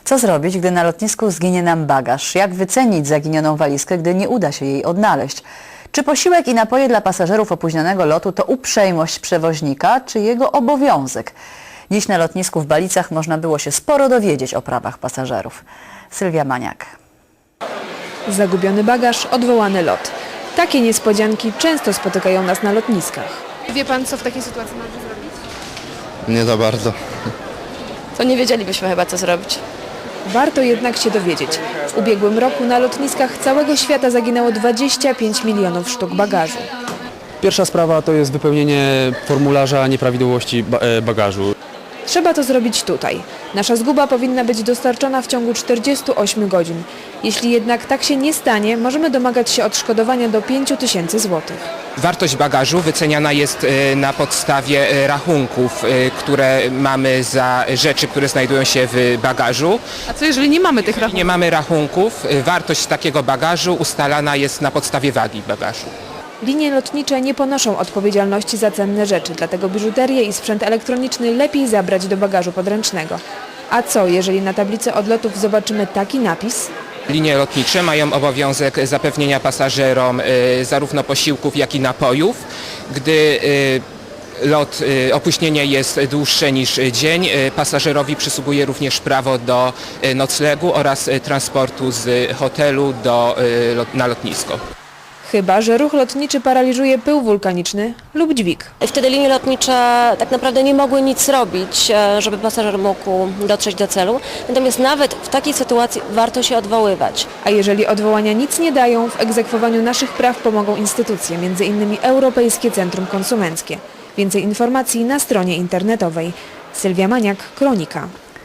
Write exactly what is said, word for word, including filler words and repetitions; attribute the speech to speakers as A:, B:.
A: Co zrobić, gdy na lotnisku zginie nam bagaż? Jak wycenić zaginioną walizkę, gdy nie uda się jej odnaleźć? Czy posiłek i napoje dla pasażerów opóźnionego lotu to uprzejmość przewoźnika, czy jego obowiązek? Dziś na lotnisku w Balicach można było się sporo dowiedzieć o prawach pasażerów. Sylwia Maniak.
B: Zagubiony bagaż, odwołany lot. Takie niespodzianki często spotykają nas na lotniskach.
C: Wie pan, co w takiej sytuacji należy zrobić?
D: Nie za bardzo.
E: To nie wiedzielibyśmy chyba, co zrobić.
B: Warto jednak się dowiedzieć. W ubiegłym roku na lotniskach całego świata zaginęło dwadzieścia pięć milionów sztuk bagażu.
F: Pierwsza sprawa to jest wypełnienie formularza nieprawidłowości ba- e, bagażu.
B: Trzeba to zrobić tutaj. Nasza zguba powinna być dostarczona w ciągu czterdziestu ośmiu godzin. Jeśli jednak tak się nie stanie, możemy domagać się odszkodowania do pięciu tysięcy złotych.
G: Wartość bagażu wyceniana jest na podstawie rachunków, które mamy za rzeczy, które znajdują się w bagażu.
C: A co jeżeli nie mamy tych rachunków?
G: Nie mamy rachunków, wartość takiego bagażu ustalana jest na podstawie wagi bagażu.
B: Linie lotnicze nie ponoszą odpowiedzialności za cenne rzeczy, dlatego biżuterię i sprzęt elektroniczny lepiej zabrać do bagażu podręcznego. A co, jeżeli na tablicy odlotów zobaczymy taki napis?
G: Linie lotnicze mają obowiązek zapewnienia pasażerom y, zarówno posiłków, jak i napojów. Gdy y, lot, y, opóźnienie jest dłuższe niż dzień, y, pasażerowi przysługuje również prawo do y, noclegu oraz y, transportu z hotelu do, y, lot, na lotnisko.
B: Chyba że ruch lotniczy paraliżuje pył wulkaniczny lub dźwig.
E: Wtedy linie lotnicze tak naprawdę nie mogły nic robić, żeby pasażer mógł dotrzeć do celu. Natomiast nawet w takiej sytuacji warto się odwoływać.
B: A jeżeli odwołania nic nie dają, w egzekwowaniu naszych praw pomogą instytucje, między innymi Europejskie Centrum Konsumenckie. Więcej informacji na stronie internetowej. Sylwia Maniak, Kronika.